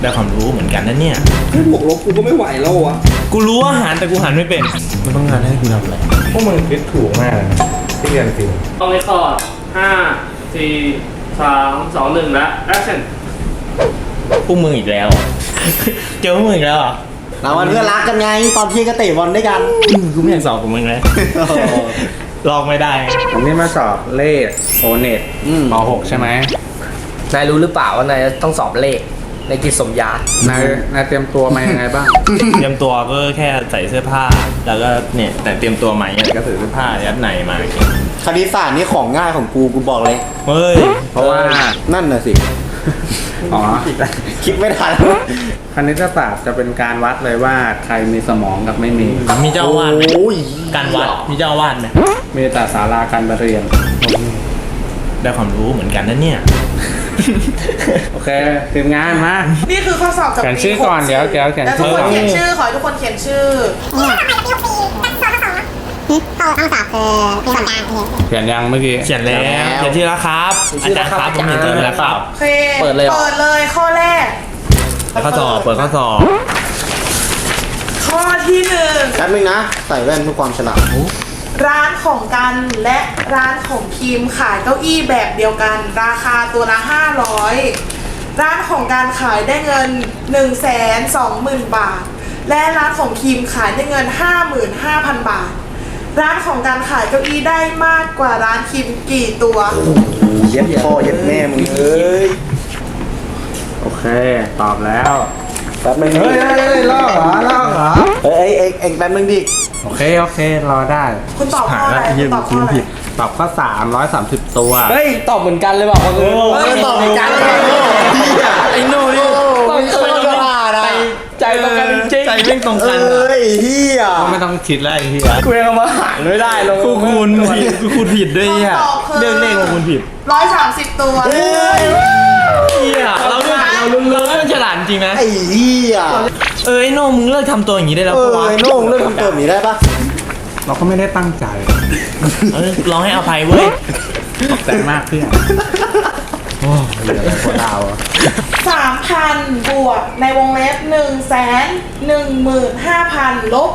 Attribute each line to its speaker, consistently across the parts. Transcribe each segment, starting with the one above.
Speaker 1: ได้ความรู้เหมือนกันนะเนี่ย
Speaker 2: แค่บวกลบกูก็ไม่ไหวแล้ววะ
Speaker 1: กูรู้อาหารแต่กูหันไม่เป็นมันต้องงานให้กูทำอะไร
Speaker 3: พวกมึงคิดถูกมากเลยที่เรียนจริง
Speaker 4: ต้องเลคคอร์ด5 4 3 2 1 และ action
Speaker 1: พวกมึงอีกแล้ว เจอพวกมึงอีกแล้วอ่ะ
Speaker 5: เรามันเพื่อนรักกันไงตอนที่ก็เตะบอลด้วยกัน
Speaker 1: กูไม่อยากสอบกับมึงเลยลองไม่ได้
Speaker 3: ผมนี่มาสอบเลขโอเน็ตป .6 ใช่ไหม
Speaker 2: นายรู้หรือเปล่าว่านายต้องสอบเลขในกิจสมยาน
Speaker 3: ายเตรียมตัวมายังไงบ้าง
Speaker 1: เตรียมตัวก็แค่ใส่เสื้อผ้าแล้วก็เนี่ยแต่เตรียมตัวใหม่ก็ใส่เสื้อผ้ายัดในมา
Speaker 5: คณิตศาสตร์นี่ของง่ายของกูบอกเลย
Speaker 1: เฮ้ย
Speaker 3: เพราะว่า
Speaker 5: นั่นน่ะสิ
Speaker 3: อ๋อ
Speaker 5: คิดไม่ทัน
Speaker 3: คณิตศาสตร์จะเป็นการวัดเลยว่าใครมีสมองกับไม่มี
Speaker 1: เจ้าวาดไหมการวัดมีเจ้าวาดไหม
Speaker 3: มีแต่ศาลาการประเรียน
Speaker 1: ได้ความรู้เหมือนกันนะเนี่ย
Speaker 3: โอเคทีมงานมา
Speaker 6: นี่คือข้อสอบจากปี
Speaker 3: เขียนชื่อก่อนเดี๋ยวเขียน
Speaker 6: ชื่อทุกคนเขียนชื่อขอให้ทุกคนเขียนชื่อ
Speaker 7: ต้องสอบคือมีส่วนกลาง
Speaker 3: เขียนยังเมื่อกี้
Speaker 1: เขียนแล้วเขียนที่แล้วครับอาจารย์ครับผมเขียนที่แล้วครับ
Speaker 6: โอเคเปิดเลยข้อแรก
Speaker 1: ข้อสอบเปิดข้อสอบ
Speaker 6: ข้อที่1
Speaker 5: แป๊บนึงนะใส่แว่นเพื่อความฉลาด
Speaker 6: ร้านของกันและร้านของพิมขายเก้าอี้แบบเดียวกันราคาตัวละ500ร้านของการขายได้เงิน 120,000 บาทและร้านของพิมขายได้เงิน 55,000 บาทร้านของการขายเก้าอี้ได้มากกว่าร้านพิมกี่ตัว
Speaker 5: เย็ดพ่อเย็ดแม่มึงเอ้ย
Speaker 3: โอเคตอบแล้ว
Speaker 5: แป๊บนึง
Speaker 3: เฮ้ยลอกเหรอ
Speaker 5: เอ็งแป๊บนึงดิ
Speaker 3: โอเครอได้
Speaker 6: คุณตอบข้ออะไรคุณตอบข้ออะไร
Speaker 3: ตอบข้อ330ตัว
Speaker 2: เฮ้ยตอบเหมือนกันเลยบอกว่า
Speaker 5: ตอบเหมือนกัน
Speaker 1: ไอ้โน่นี่
Speaker 5: ต้องฉลาดนะ
Speaker 2: ใจตรงกันจริง
Speaker 1: ใจเร่งตรงกัน
Speaker 5: เฮีย
Speaker 3: ไม่ต้องคิดแล้วไอ้เฮีย
Speaker 2: กูยังมาหารไม่ได้ลง
Speaker 1: คุณผิดด้วยเนี่ยเรื่องเลขของคุณผิด
Speaker 6: 130ตัว
Speaker 1: เฮียเราฉลาดจริงนะ
Speaker 5: ไอ้เฮีย
Speaker 1: ไอ้โน่มึงเลิกทำตัวอย่างนี้ได้แล้วปะวะ
Speaker 5: ไอ้โน่เลิกทำตัวอย่างนี้ได้ปะ
Speaker 3: เราก็ไม่ได้ตั้งใจ
Speaker 1: ลองให้อภัยเว้ย
Speaker 3: ขอบใจมากเพื่อนโอ้เหลือหัวดาว
Speaker 6: 3,000 บวกในวงเล็บ115,000 ลบ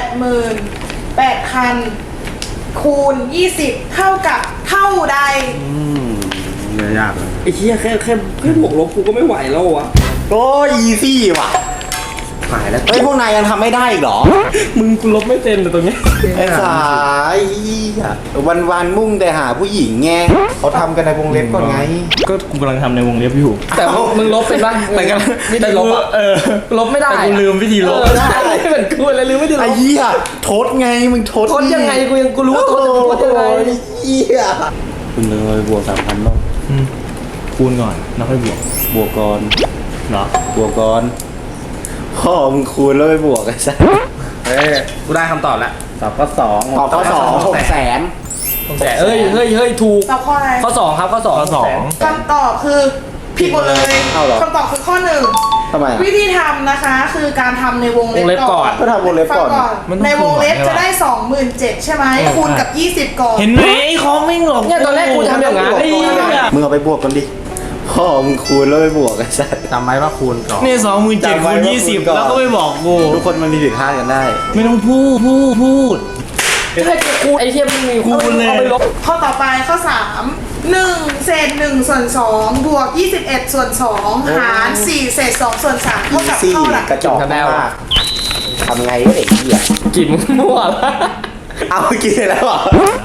Speaker 6: 88,000 คูณ 20 เท่ากับเท่าใด
Speaker 3: ยากเลย
Speaker 2: ไอ้เหี้ยแค่บวกลบกูก็ไม่ไหวแล้ววะ
Speaker 5: โอ้ยอีซี่ว่ะหายแล้วพวกนายยังทำไม่ได้อีกเหรอ
Speaker 2: มึงกูลบไม่เป็นแต่ตรงนี้
Speaker 5: ไอ้สายวันมุ่งแต่หาผู้หญิงไงเขาทำกันในวงเล็บก่อนไง
Speaker 1: ก็กูกำลังทำในวงเล็บอยู่
Speaker 2: แต่มึงลบเป็นปะ
Speaker 1: แต่กัน
Speaker 2: วิธีลบอ่ะลบไม่ได้
Speaker 1: แต่กูลืมวิธีลบ
Speaker 2: ได้เหมือนกูเลยลืมวิธีลบ
Speaker 5: ไอ้เหี้ยโทษไงมึงโทษ
Speaker 2: ยังไงกูรู้ว่าโทษยังไง
Speaker 5: ไอ้เหี้ยคุณเลยบวก 3,000 บ้าง
Speaker 1: คูณก่อนแล้วค่อย
Speaker 5: บวกก่อน
Speaker 1: เหรอบ
Speaker 5: วกก่อนพ่อมึงคูณแล้วไปบวกกันซะ
Speaker 2: กูได้คำตอบแล้ว
Speaker 3: ตอบข้อ2
Speaker 5: ตอบข้อ2
Speaker 2: 600,000เฮ้ยถูก
Speaker 6: ตอบข้ออะไร
Speaker 2: ข้อ2ครับข้อ2
Speaker 6: คำตอบคือผิดหมดเลยคำตอบคือข้อ1
Speaker 5: ทำไม
Speaker 6: วิธีทำนะคะคือการทำในวงเล็บก่อน
Speaker 5: ก็ทำวงเล็บก่อน
Speaker 6: ในวงเล็บจะได้ 27,000 ใช่ไหมคูณกับ20ก่อน
Speaker 1: เห็นไหมไอ้คอมไม่หลอก
Speaker 2: เนี่ยตอนแรกกูทำอย่างนั้น
Speaker 5: มึงเอาไปบวกกันดิพ่อมึงคูณแล้วไปบวกกันซะ
Speaker 3: จำไว้ว่าคูณก่อน
Speaker 1: เนี่ย27,000 คูณ 20แล้วก็ไม่บอกกู
Speaker 5: ทุกคนมันมีผิดพลาดกันได้
Speaker 1: ไม่ต้องพูด
Speaker 2: ให้กูคูณไอ้เทียมมึงมีคูณเลย
Speaker 6: ข้อต่อไปข้อ3 1 เศษ 1 ส่วน 2 บวก 21 ส่วน 2 หาร4 เศษ 2 ส่วน 3 เท่ากับเท่าไหร่
Speaker 5: กระจอกมากทำไงวะเด็กเหี้ย
Speaker 2: กินมั่วแล้ว
Speaker 5: เอากินแล้วเหรอ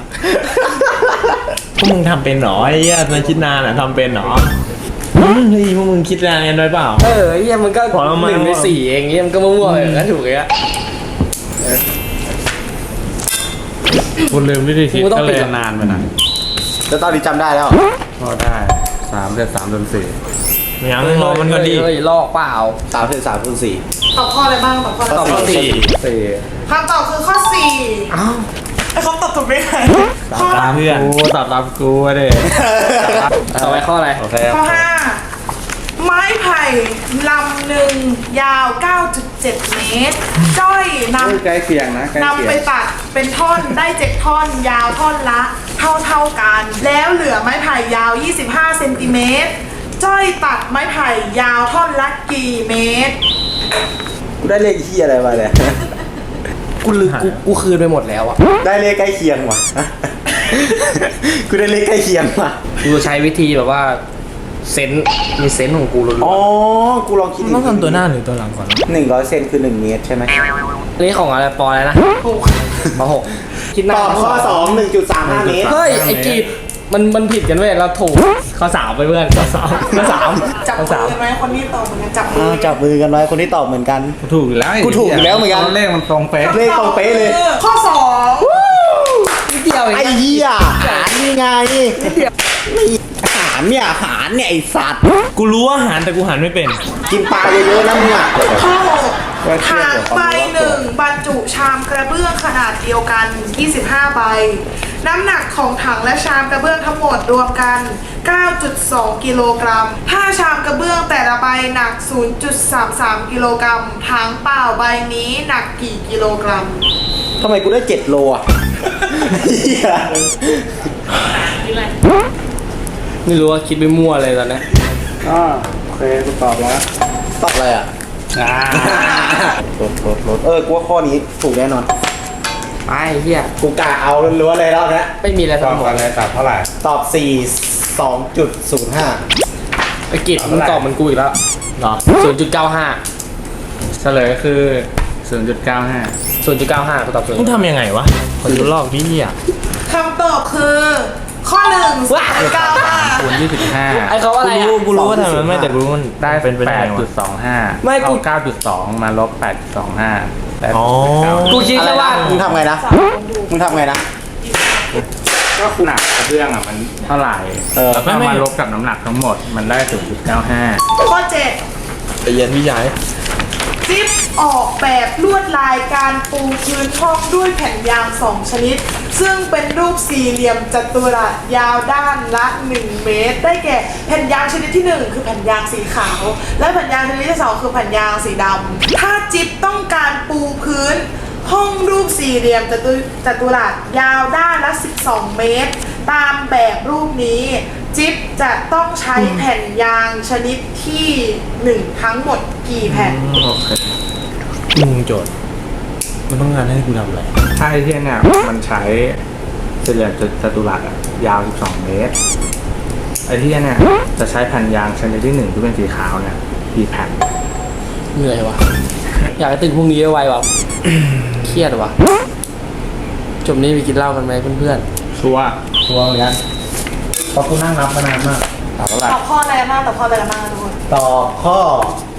Speaker 1: พวกมึงทำเป็นหรอไอ้เหี้ยในคิดนานอ่ะทำเป็นหรอเฮ้ยพวกมึงคิดนานกันไว้เปล่า
Speaker 2: ไอ้เหี้ยมันก็1 ใน 4เองเงี้ยมันก็มั่วๆก็ถูกเลยอะ
Speaker 3: คุณลืมวิธีคิดก็เลยนานไปหน่อย
Speaker 5: แล้วตอนนี้จำได้แล้ว
Speaker 3: ก็ได้3 เศษ 3 ส่วน 4
Speaker 1: ยังรอมันก็ดี
Speaker 2: ลอกเปล่า
Speaker 5: 3 เศษ 3 ส่วน 4
Speaker 6: ตอบข้ออะไรบ้างตอบข้อ4คำตอบคือข้อ4อ้าวไอ้คำตอบถูกไหม
Speaker 1: ข้อตามเพื่อน
Speaker 3: กูตอบกูเด้
Speaker 2: ต่อไปข้ออะไร
Speaker 6: ข้อ5ไม้ไผ่ลำหนึ่งยาว 9.7 เมตรจ้อย
Speaker 3: ใกล้เคียงนะ
Speaker 6: นำไปตัดเป็นท่อนได้7ท่อนยาวท่อนละเท่ากันแล้วเหลือไม้ไผ่ยาว25 เซนติเมตรจ้อยตัดไม้ไผ่ยาวท่อนละกี่เมตร
Speaker 5: กูได้เลขที่อะไรมาเนี่ย
Speaker 2: กูคืนไปหมดแล้วอ่ะ
Speaker 5: ได้เลขใกล้เคียงว่ะ กูได้เลขใกล้เคียงว่ะ
Speaker 2: กูใช้วิธีแบบว่าเซนส์มีเซนส์ของกูล้วน
Speaker 5: อ๋อ กูลองคิด
Speaker 1: ต้องทำตัวหน้าหรือตัวหลังก่อน
Speaker 5: 100 เซนคือ 1 เมตรใช่ไหม
Speaker 2: ๆนี่ของอะไรปออะไรนะ
Speaker 6: ถูก
Speaker 2: ปหกคิดหน้า
Speaker 5: ตอบข้อ 2 1.35 เมตร
Speaker 2: เฮ้ยไอ้กีดมันผิดกันเว้ยเราถูกข้อสามไปเพื่อนข้อสาม
Speaker 6: จับ
Speaker 2: ข้อ
Speaker 6: มื
Speaker 2: สาม
Speaker 6: อกันไหมคนที่ตอบเหมือนกันจับมื
Speaker 5: อ้าวจับมือกันไว้คนที่ตอบเหมือนกัน
Speaker 3: ถูกอยู่แล้ว
Speaker 5: กูถูกอยู่แล้วเหมือนกัน
Speaker 3: เลขมันตรงเป๊ะ
Speaker 5: เลขตรงเป๊ะเลย
Speaker 6: ข้อสอง
Speaker 2: นิดเดียวเอง
Speaker 5: ไอ้เหี้ยหารนี่ไงไม่หารเนี่ยหารเนี่ยไอ้สัตว์
Speaker 1: กูรู้ว่าหารแต่กูหารไม่เป็น
Speaker 5: กินปลาเยอะๆนะมึงอ่ะ
Speaker 6: ข้อหกถางใบหนึ่งบรรจุชามกระเบื้องขนาดเดียวกัน 25 ใบ น้ำหนักของถังและชามกระเบื้องทั้งหมดรวมกัน 9.2 กิโลกรัมถ้าชามกระเบื้องแต่ละใบหนัก 0.33 กิโลกรัมถังเปล่าใบนี้หนักกี่กิโลกรัม
Speaker 5: ทำไมกูได้7 โลอ่ะเหี้ย
Speaker 2: ไม่รู้ว่าคิดไปมั่วเลยตอนนี้
Speaker 3: ก็โอเคกูตอบแล้ว
Speaker 5: ตอบอะไรอ่ะ
Speaker 3: อ่า
Speaker 5: ลดกูว่าข้อนี้ถูกแน่นอน
Speaker 2: ไอ้เหี้ย
Speaker 5: กูกะเอาล้วนๆเลยรอบนี้
Speaker 2: ไม่มีอะไร
Speaker 3: ต
Speaker 2: ส
Speaker 3: อบ
Speaker 2: มอ
Speaker 3: กั
Speaker 2: ง
Speaker 3: นเลยตอบเท่าไหร่
Speaker 5: ตอบ 4 2.05
Speaker 2: ไอ้กีดมึงตอบเหมันกูอีกแล้ว
Speaker 1: เหรอ
Speaker 2: 0.95
Speaker 3: เฉลยคือ 0.95
Speaker 2: 0.95กูตอบ
Speaker 1: มึงทำยังไงวะขอดูลอกดิอ่ะ
Speaker 6: คำตอบคือข้อหนึ่ง0.95
Speaker 3: คูณ25
Speaker 2: ไอ้เขาว่าอะไรอ่ะ
Speaker 1: กูรู้ว่าทำไมไม่แต่กูรู้มัน
Speaker 3: ได้
Speaker 1: เป็นไปได้ไงวะ
Speaker 3: 8.25
Speaker 2: ไม่กู
Speaker 3: เอา9.2 มาลบ 8.25
Speaker 1: อ๋อ
Speaker 2: กูคิดแค่ว่า
Speaker 5: มึงทำไงนะ มึงทำไงนะ
Speaker 3: ก็หนักกระเบื้องอ่ะมันเท่าไหร่ แล้วก็
Speaker 1: ไม่
Speaker 3: มาลบกับน้ำหนักทั้งหมดมันได้ 0.95
Speaker 6: ข้อเจ็ด
Speaker 1: ใจเย็นพี่ใหญ่
Speaker 6: จิ๊บออกแบบลวดลายการปูพื้นห้องด้วยแผ่นยาง 2 ชนิด ซึ่งเป็นรูปสี่เหลี่ยมจัตุรัสยาวด้านละ 1 เมตร ได้แก่แผ่นยางชนิดที่ 1 คือแผ่นยางสีขาว และแผ่นยางชนิดที่ 2 คือแผ่นยางสีดำถ้าจิ๊บต้องการปูพื้น ห้องรูปสี่เหลี่ยมจัตุรัสยาวด้านละ 12 เมตร ตามแบบรูปนี้ จิ๊บจะต้องใช้แผ่นยางชนิดที่ 1 ทั้งหมดกี่แผ่น
Speaker 1: โอเคมึงโจทย์มันต้องงานให้กูทำอะไร
Speaker 3: ถ้าไอ้เที่ยเนี่ยมันใช้สี่เหลี่ยมจัตุรัสอะยาว 12 เมตร ไอ้เที่ยเนี่ยจะใช้แผ่นยางชนิดที่ 1 ที่เป็นสีขาวเนี่ยกี่แผ่น
Speaker 2: เหนื่อยวะอยากให้ตื่นพรุ่งนี้ไวๆวะ เครียดวะจบนี้ไปกินเหล้ากันไหมเพื่อน
Speaker 3: ชัวร์
Speaker 5: ชัวร์เหมือนกันเพราะกูนั่งนับมานานมาก
Speaker 3: ตอบเท่าไหร่
Speaker 6: ตอบข้ออะไรกันบ้างตอบข้ออะไรกันบ้างทุกคน
Speaker 5: ตอบข้อ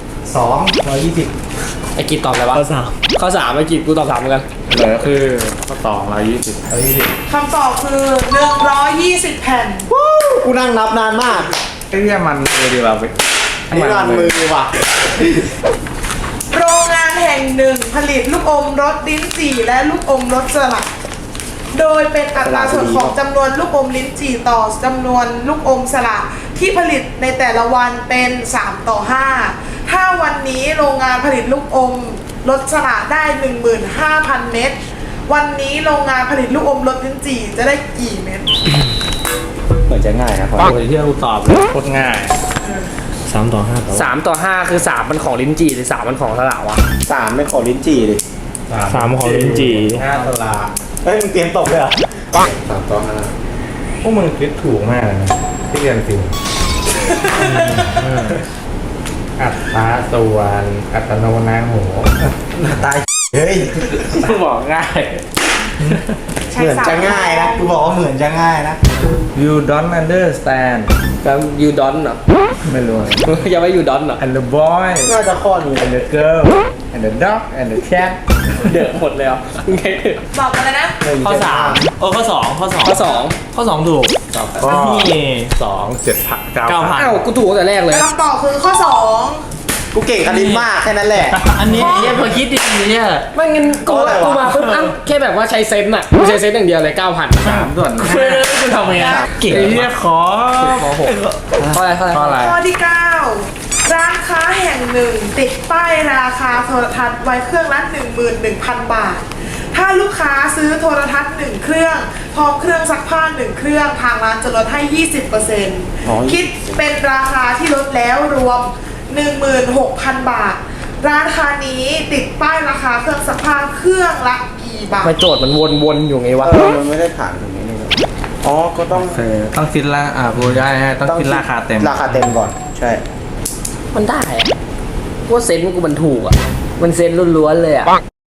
Speaker 5: 2
Speaker 2: ๆไอ้กีดตอบอะไรวะ
Speaker 1: ข้อสาม
Speaker 2: ข้อสามไอ้กีดกูตอบสามเหมือนกัน
Speaker 3: เหลือคือข้อ220
Speaker 6: คำตอบคือ 120 แผ่น
Speaker 5: กูนั่งนับนานมาก
Speaker 3: ไอ้เที่ยมันมือดีเราไป
Speaker 5: นี่นานมือว่ะ
Speaker 6: โรงงานแห่งหนึ่งผลิตลูกอมรสลิ้นจี่และลูกอมรสสลัด โดยเป็นอัตราส่วนของจำนวนลูกอมลิ้นจี่ต่อจำนวนลูกอมสลัดที่ผลิตในแต่ละวันเป็น3:5ถ้าวันนี้โรงงานผลิตลูกอมรสสลัดได้ 15,000 เม็ดวันนี้โรงงานผลิตลูกอมรสลิ้นจี่จะได้กี่เม็ด
Speaker 5: เหมือนจะง่ายนะพอ
Speaker 3: โอ้ยที่เราตอบเลยโคตรง่าย
Speaker 1: 3/5ต่อ
Speaker 2: 3/5คือ3มันของลิ้นจี่หรือ3มันของสลาวะ
Speaker 5: 3ไม่ขอลิ้นจี่ดิ
Speaker 1: 3ของลิ้นจี่
Speaker 3: 5 ตลาด
Speaker 5: เฮ้ยมึงเตรียมตกเลยเหรอ
Speaker 3: พวกมึงคิดถูกมากเลยนะที่เรียนจริงอัตราส่วนอัตโนนาโห
Speaker 5: ตาย เฮ้ย
Speaker 3: บอกง่าย
Speaker 5: เหมือนจะง่ายนะ กูบอกว่าเหมือนจะง่ายนะ
Speaker 3: you don't understand
Speaker 2: แล้วยูดอนเหรอ
Speaker 3: ไม่รู้
Speaker 2: ยังไม่ยูดอนเหรอ
Speaker 3: and the boy
Speaker 5: น่าจะข้อนี้
Speaker 3: and the girl and the dog and the cat
Speaker 2: เดือดหมดเลยอ่ะไงเดือด
Speaker 6: บอกกันเลยนะ
Speaker 1: ข้อ3ข้อ2ข้อ2
Speaker 2: ข้อสอง
Speaker 1: ข้อ2ถูก
Speaker 3: ตอบข้อ
Speaker 1: นี่
Speaker 3: 2 7 9
Speaker 1: 9,000
Speaker 2: อ้าวกูถูกตั้งแต่แรกเลย
Speaker 6: คำตอบคือข้อ
Speaker 5: กูเก่งคณิตมากแค่นั้นแหละ
Speaker 1: อันนี้เนี่ยพอคิดดีเนี่ย
Speaker 2: ไม่งั้นกู
Speaker 5: อะไรวะ
Speaker 2: กูมาปุ๊บอ้าวแค่แบบว่าใช้เซนต์อ่ะกูใช้เซนต์อย่างเดียวเลย 9,000
Speaker 3: 3ส่วน
Speaker 1: เฮ้ยคุณทำยังไงเก่ง
Speaker 3: ไอ้เหี้ยขอ
Speaker 2: ม.6 ข้ออะไรข้ออะไร
Speaker 3: ข้ออะไร
Speaker 6: 2 ข้อที่ 9 ร้านค้าแห่งหนึ่งติดป้ายราคาโทรทัศน์ไว้เครื่องละ 11,000 บาทถ้าลูกค้าซื้อโทรทัศน์1เครื่องพร้อมเครื่องซักผ้า1เครื่องทางร้านจะลดให้ 20%คิดเป็นราคาที่ลดแล้วรวม 16,000 บาทร้านค้านี้ติดป้ายราคาเครื่องซักผ้าเครื่องละกี่บาท
Speaker 2: มาโจทย์มันวนๆอยู่ไงวะ
Speaker 5: มันไม่ได้ผ่านตรงนี้เลยอ๋อก็ต้อง
Speaker 3: ต้องคิดละพูดได้ต้องคิดราคาเต็ม
Speaker 5: ราคาเต็มก่อน ใช่
Speaker 2: มันได้อะว่าเซนส์กูมันถูกอ่ะ มันเซนส์ล้วนๆเลยอ่ะ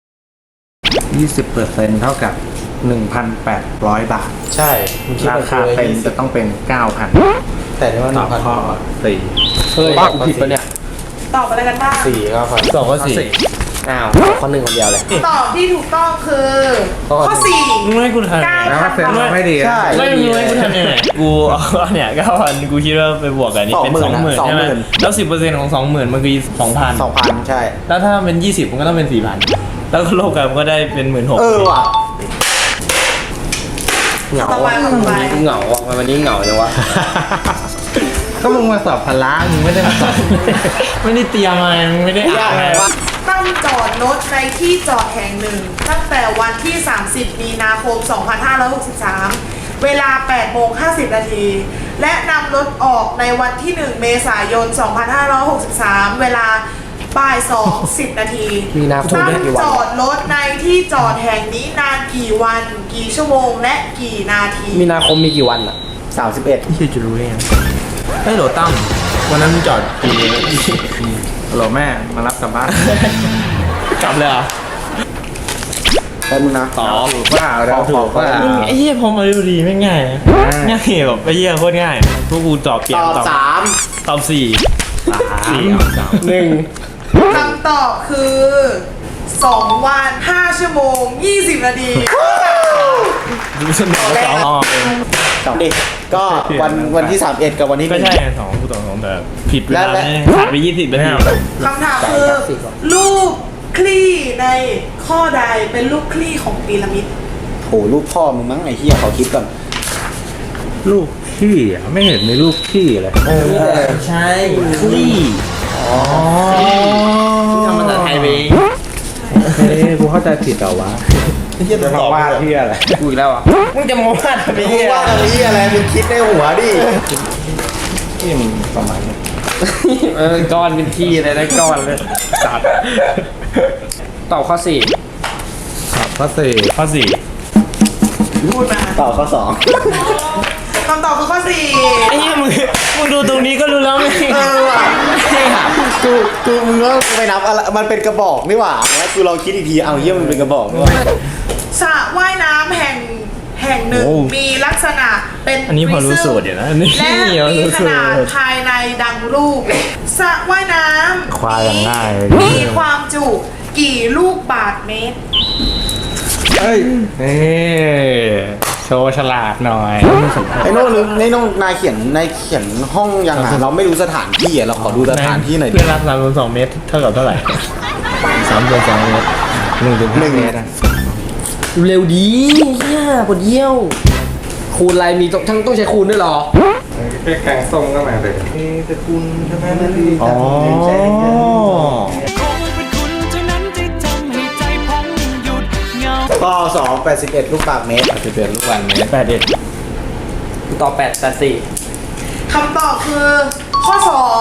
Speaker 3: 20%เท่ากับ 1,800 บาท
Speaker 5: ใช่มึงคิด
Speaker 3: รา
Speaker 5: ไป
Speaker 3: คา
Speaker 5: เลย
Speaker 3: เต็มจะต้องเป็น 9,000
Speaker 5: แต่ที่ว่า
Speaker 3: ตอบข้อ
Speaker 2: เฮ้ยกูผิดปะเนี่ย
Speaker 6: ตอบอะไรกันบ้าง
Speaker 5: 4 9,000
Speaker 1: สองก็สี่
Speaker 2: อ้าวข้อหนึ่งคนเดียวเลย
Speaker 6: ตอบที่ถูกต้องคือ ข้อ
Speaker 1: มึงไม่ให้กูทำ
Speaker 6: 4
Speaker 3: แล้วก็เซ็นมาไม่ดีนะ
Speaker 5: ใช่
Speaker 1: ไม่มึงให้กูทำยังไงกูเอาเนี่ย9,000กูคิดว่าไปบวกกันนี่เป็น
Speaker 5: 20,000
Speaker 1: 20,000ใช่ไหม
Speaker 5: 20,000
Speaker 1: แล้ว10%ของ 20,000มันคือ2,000
Speaker 5: 2,000 ใช่
Speaker 1: แล้วถ้าเป็น20มันก็ต้องเป็น 4,000 แล้วก็ลบกันมันก็ได้เป็น 16,000
Speaker 5: ว่ะ
Speaker 2: เหงา
Speaker 6: ต่อไป
Speaker 2: อ่ะ
Speaker 6: ต่อไป
Speaker 2: เหงาอ่ะวันนี้เหงาจังวะ
Speaker 3: ก็มึงมาสอบพละมึงไม่ได้มาสอบ
Speaker 1: ไม่ได้เตรียมมามึงไม่ได้อ่านอะไร
Speaker 6: ตั้งจอดรถในที่จอดแห่งหนึ่ง ตั้งแต่วันที่ 30 มีนาคม 2563 เวลา 8:50 นาที และนำรถออกในวันที่ 1 เมษายน 2563 เวลาบ่าย 2:10 นาที
Speaker 2: มีนาคม
Speaker 6: ตั้ง
Speaker 2: ได้กี่วัน
Speaker 6: จอดรถในที่จอดแห่งนี้นานกี่วัน กี่ชั่วโมง และกี่นาที
Speaker 2: มีนาคมมีกี่วันอ่ะ
Speaker 5: 31
Speaker 1: ที่จะรู้ได้ยังเฮ้ยโหลตั้มวันนั้นมึงจอดกี่โมง
Speaker 3: ฮัลโหลแม่มารับกลับบ้าน
Speaker 1: กลับเลยเหรอ
Speaker 5: แป๊บนึงนะ
Speaker 1: ตอบ
Speaker 3: ถูกว่าเราถูกว่า
Speaker 1: ไอ้เหี้ยพอมาดูดีไม่ง่ายนะง่ายแบบไอ้เหี้ยโคตรง่ายพวกกูตอบเปลี่ย
Speaker 5: ต
Speaker 1: น
Speaker 5: อบ
Speaker 1: ตอบ4
Speaker 2: หนึ่ง
Speaker 6: คำตอบคือ 2 วัน 5 ชั่วโมง 20 นาที
Speaker 1: ดูฉันบอก2อ๋อ
Speaker 5: 3 ดิก็วันที่ 31 กับวันที่
Speaker 1: ไม่
Speaker 5: 1
Speaker 1: ใช่2กูตอบ2แต่ผิดเวลา
Speaker 5: และ
Speaker 1: ขาดไป20นาที
Speaker 6: คำถามคือ รูปคลี่ในข้อใดเป็นรูปคลี่ของพีระมิด
Speaker 5: โหลูกพ่อมึงมั้งไอ้เหี้ยเขาคิดก่อน
Speaker 3: ลูกขี้อ่ะไม่เห็นมีลูกขี้เลย
Speaker 1: ใช่คลี่ที่ทำภาษาไทยไป
Speaker 3: เฮ้ยกูเข้าใจผิดเหรอวะ
Speaker 1: เหี้ย
Speaker 3: จะ
Speaker 1: ต
Speaker 3: มา
Speaker 1: อบ
Speaker 3: ว่าที่อะไร
Speaker 2: กูอีกแล้วอ่ะ
Speaker 1: มึงจะมาวาดทำไม
Speaker 5: มึง
Speaker 1: เนี่ย
Speaker 5: ว่าอะไรอะไรมึงคิดในหัวดิ
Speaker 3: ที่มันประมาณนี้
Speaker 2: ก้อนเป็นที่เลยนะก้อนเลยจัดตอบข้อสี่
Speaker 3: ครับข้อสี่
Speaker 1: ข้อ4
Speaker 6: พูดมา
Speaker 5: ต่อข้อ
Speaker 6: คำตอบคือข้อ
Speaker 1: ไอ้เหี้ยมึงดูตรงนี้ก็รู้แล้วไง
Speaker 5: 2กูมึงว่ากูไปนับอะไรมันเป็นกระบอกนี่หว่าแล้วกูลองคิดอีกทีเอาเหี้ยมันเป็นกระบอกนี่หว่า
Speaker 6: 4สระว่ายน้ำแห่งหนึ่ง มีลักษณะเป็น
Speaker 1: อันนี้พอรู้สูตรอยู่นะนี่
Speaker 6: และมีขนาดภายในดังรูปสระว่ายน้
Speaker 3: ควายอย่างง่าย
Speaker 6: ำมีความจุกี่ลูกบาทเมตร
Speaker 3: เฮ้ยนี่โชว์ฉลาดหน่อย
Speaker 5: ไอ้โน่นนายเขียนห้องยังอ่ะเราไม่รู้สถานที่อ่ะเราขอดูสถานที่หน่อยดิ
Speaker 1: เพื่อนรับ3.2 เมตรเท่ากับเท่าไหร่3.2 เมตร
Speaker 3: 1 เมตรอะ
Speaker 2: เร็วดีเฮียปวดเยี่ยว คูณอะไรมีต้องใช้คูณด้วยเหรอ
Speaker 3: แกงส้มก็มาเลยจะคุณใช่ไหมนาที
Speaker 1: อ๋อ
Speaker 5: ข้อ2 81 ลูกบาศก์เมตร
Speaker 3: 11ลูกบาศก์เมตร
Speaker 2: ตอบ8
Speaker 6: คำตอบคือข้อ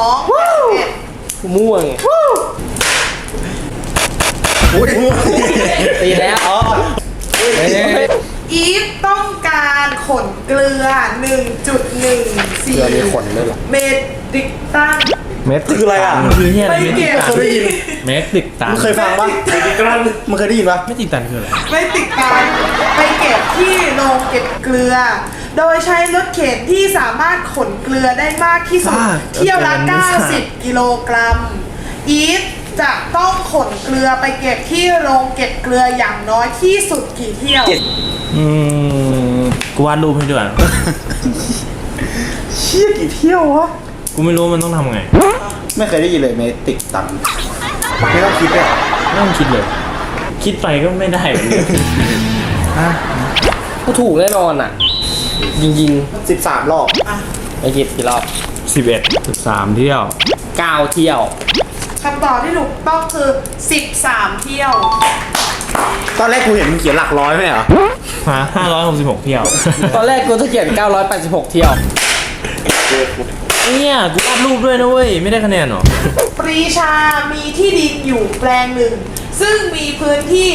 Speaker 6: 2
Speaker 2: 8ม่วงตีแล้ว
Speaker 6: อีฟต้องการขนเกลือ 1.14
Speaker 2: ขนด้วยเหรอ
Speaker 6: เมตริกตัน
Speaker 3: เมตร
Speaker 5: คืออะไรอ่ะ
Speaker 1: มันคือเนี่ยอะไร
Speaker 6: ไม่เกี่ยว
Speaker 5: เคยได้ยิน
Speaker 1: เมตริกตัน
Speaker 5: มึงเคยฟังปะมึงเคยได้ยินปะ
Speaker 1: ไม่ติดตันคืออะไร
Speaker 6: ไม่ติดการไปเก็บที่โรงเก็บเกลือ โดยใช้รถเข็นที่สามารถขนเกลือได้มากที่สุด เที่ยวละ 90 กิโลกรัม อีฟจะต้องขนเกลือไปเก็บที่โรงเก็บเกลืออย่างน้อยที่สุดกี่เที่ยว
Speaker 1: กูวาดรูปให้ด้วย
Speaker 5: เชี่ยกี่เที่ยววะ
Speaker 1: กูไม่รู้มันต้องทำไง
Speaker 5: ไม่เคยได้ยินเลยเมตริกตันไม่ต้องคิดเลยเหรอ
Speaker 1: ไม่ต้องคิดเลย คิดไปก็ไม่ได้เหมือนกัน
Speaker 2: ก็ถูกแน่นอนอ่ะ ยิง
Speaker 5: 13 รอบ
Speaker 2: ๆไอ้กี่รอบ
Speaker 1: 11
Speaker 3: 13 เที่ยว
Speaker 2: 9 เที่ยว
Speaker 6: เขำตอบที่ถูกต้องคือ 13 เที่ยว
Speaker 5: ตอนแรกกูเห็นมึงเขียนหลักร้อยไหมเหรอ
Speaker 1: ฮะ566 เที่ยว
Speaker 2: ตอนแรกกูจะเขียน 986 เที่ยว
Speaker 1: เนี่ยกูวาดรูปด้วยนะเว้ย ไม่ได้คะแนนหรอ
Speaker 6: ปรีชามีที่ดินอยู่แปลงหนึ่ง ซึ่งมีพื้นที่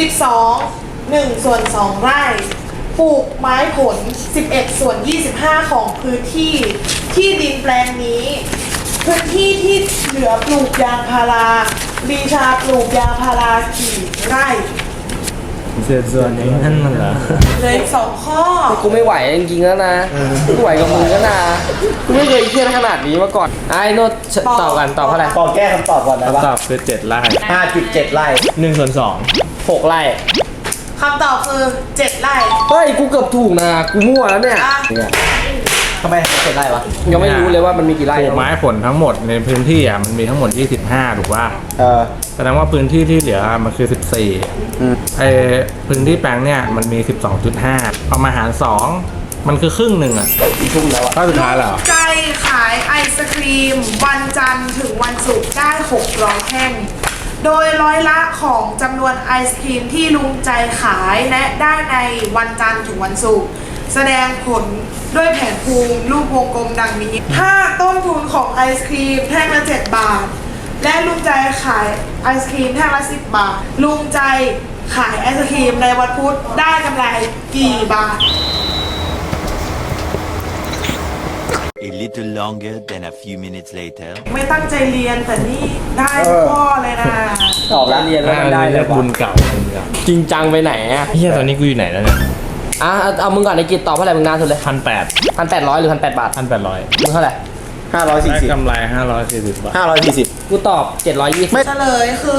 Speaker 6: 1 ส่วน 2 ไร่ ปลูกไม้ผล 11 ส่วน 25 ของพื้นที่ ที่ดินแปลงนี้ พื้นที่ที่เหลือปลูกยางพาราปรีชาปลูกยางพารากี่ไร่
Speaker 1: ส่วนนี้นั่นมันเหรอ
Speaker 6: เหลย2 ข้อ
Speaker 2: กูไม่ไหวจริงๆแล้วนะกูไหวกับมึงแล้วนะกูไม่เคยเครียดขนาดนี้มาก่อนไอ้โน้ตตอบกันตอบเท่าไหร่
Speaker 5: ขอแก้คำตอบก่อนนะ
Speaker 1: คำต
Speaker 5: ว่า
Speaker 1: อบคือ7 ไร่
Speaker 5: 5.7 ไร่
Speaker 1: 1 ส่วน
Speaker 2: 6 ไร่
Speaker 6: คำตอบคือ 7 ไร่
Speaker 2: เฮ้ยกูเกือบถูกนะกูมั่วแล้วเนี่ย
Speaker 6: อ่ะ
Speaker 5: ทำไมถึง7 ไร่วะ
Speaker 2: ยังไม่รู้เลยว่ามันมีกี่
Speaker 3: ป
Speaker 2: ไร่
Speaker 3: ลูกไม้ผลทั้งหมดในพื้นที่อ่ะมันมีทั้งหมด 25 ถูกป่ะ แสดงว่าพื้นที่ที่เหลือมันคือ 14ไอพื้นที่แปลงเนี่ยมันมี 12.5เอามาหาร 2 มันคือครึ่งหนึ่งอ่ะทุ่มแล้วก็สุดท้ายแล้ว
Speaker 6: ใจขายไอศครีม วันจันทร์ถึงวันศุกร์ได้ 600 แท่ง โดยร้อยละของจำนวนไอศครีมที่ลุงใจขายและได้ในวันจันทร์ถึงวันศุกร์แสดงผลด้วยแผนภูมิรูปวงกลมดังนี้ ถ้าต้นทุนของไอศครีมแท่งละ 7 บาท และลุงใจขายไอศครีมแท่งละ 10 บาท ลุงใจขายไอศครีมในวันพุธได้กำไรกี่บาท
Speaker 8: A little longer than a few minutes later.
Speaker 6: ไม่ตั้งใจเรียนแต่นี่ได้ข้อเลยนะ
Speaker 2: ตอบแล้วเรียนแล้วมันได้เลย
Speaker 3: บุ
Speaker 2: วะ
Speaker 3: ญเก่าบุญเก่า
Speaker 2: จริงจังไปไหนอะ
Speaker 1: 2เฮียตอนนี้กูอยู่ไหนแล้วเนี่ย
Speaker 2: เอามึงก่อนในกิจตอบเท่าไหร่มึงนานสุดเลย
Speaker 1: 1,800
Speaker 2: 1,800 หรือ 1,800 บาท
Speaker 1: 1,800
Speaker 2: มึงเท่าไหร่
Speaker 3: ได้
Speaker 5: 540
Speaker 3: กำไร 540 บาท
Speaker 5: 540
Speaker 2: กูตอบ 720
Speaker 6: เฉลยคือ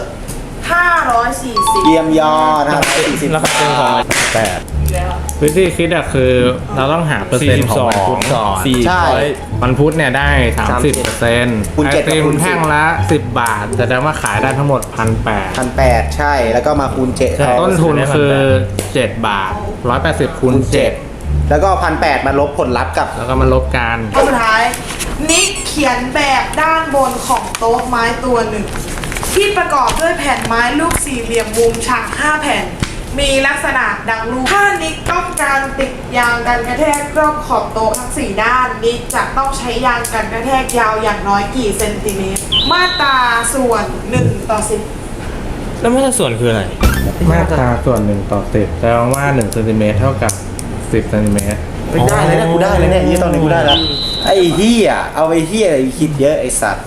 Speaker 6: 540
Speaker 5: เยี่ยมยอด
Speaker 1: แล้วก็เป็นของ
Speaker 3: 8วิธีคิดอะคือเราต้องหาเปอร์เซ็นต์ของวันพุธก่อน
Speaker 5: ใช่
Speaker 3: วันพุธเนี่ยได้ 30%
Speaker 5: คูณ
Speaker 3: ไอ
Speaker 5: 7
Speaker 3: ติม
Speaker 5: คูณ10
Speaker 3: แท่งละ 10 บาทแสดงว่าขายได้ทั้งหมด 1,800
Speaker 5: 1,800 ใช่ แล้วก็มาคูณ7
Speaker 3: ต้นทุนคือ 7 บาท 180 คูณ 7
Speaker 5: แล้วก็ 1,800 มาลบผลลัพธ์กับ
Speaker 3: แล้วก็มาลบกัน
Speaker 6: ข้อสุดท้าย นิกเขียนแบบด้านบนของโต๊ะไม้ตัวหนึ่ง ที่ประกอบด้วยแผ่นไม้ลูกสี่เหลี่ยมมุมฉาก 5 แผ่น มีลักษณะดังรูปถ้านิกต้องการติดยางกันกระแทกรอบขอบโต๊ะทั้ง 4 ด้าน นิกจะต้องใช้ยางกันกระแทกยาวอย่างน้อยกี่เซนติเมตร มาตราส่วน 1:10
Speaker 1: แล้วมาตราส่วนคืออะไร
Speaker 3: มาตราส่วน1 ต่อ 10แปลว่า1เซนติเมตรเท่ากับ 10 เซนติเมตร
Speaker 5: ไม่ได้เลยเนี่ยกูได้เลยเนี่ยยี่ตอนนี้กูได้แล้ว ไอ้เหี้ยเอาไอ้เหี้ยอะไรคิดเยอะไอ้สัตว์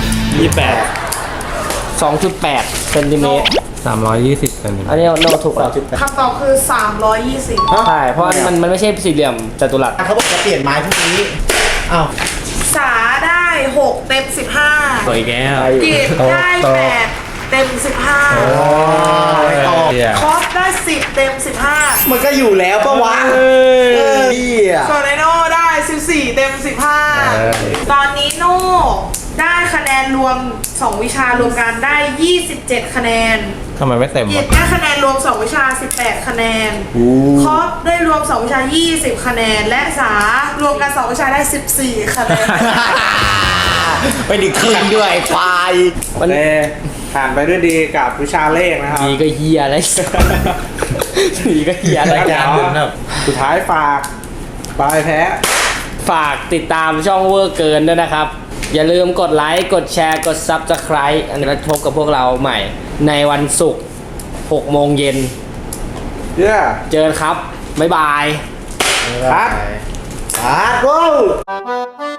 Speaker 2: 2.8 เซนติเมตร
Speaker 3: 320 เซนติเม
Speaker 2: อัน
Speaker 3: ตร
Speaker 2: นี้โน้ตถูกแล้ว
Speaker 6: คำตอบคือ 320
Speaker 2: ใช่ เพราะมันไม่ใช่สี่เหลี่ยมจัตุรัส
Speaker 5: เขาบอกจะเปลี่ยนไม้พวกนี้อ้าว
Speaker 6: สาได้ 6 เต็ม 15
Speaker 1: ต่ออีกแล้ว
Speaker 6: กิจได้ 8 เต็ม 15 คอสได้ 10 เต็ม 15
Speaker 5: มันก็อยู่แล้วปะวะเหี้ย
Speaker 6: ส่วนไอโน่ได้ 14 เต็ม 15 ตอนนี้โน่ได้คะแนนรวม 2 วิชารวมกันได้ 27 คะแนน
Speaker 3: ทำไมไม่เต็ม
Speaker 6: กิ
Speaker 3: วะ
Speaker 6: จได้คะแนนรวม 2 วิชา 18 คะแนน คอสได้รวม 2 วิชา 20 คะแนน และสารวมกัน 2 วิชาได้ 14 คะแนน
Speaker 5: ไปดึกคืนด้วยไอ้ควาย
Speaker 2: มัน
Speaker 3: ผ่านไปด้วยดีกับวิชาเลขนะครับ
Speaker 2: ดีก็เฮียอะไรดีก็เฮียอะไร
Speaker 3: เดี๋ยวสุดท้ายฝากบายแพ้
Speaker 2: ฝากติดตามช่องเวอร์เกินด้วยนะครับ อย่าลืมกดไลค์ กดแชร์ กด Subscribe อันนี้เราพบกับพวกเราใหม่ ในวันศุกร์ 6 โมงเย็น
Speaker 3: เย้
Speaker 2: เจอกันครับ บ๊ายบาย
Speaker 3: ครับ
Speaker 5: อ่ะ go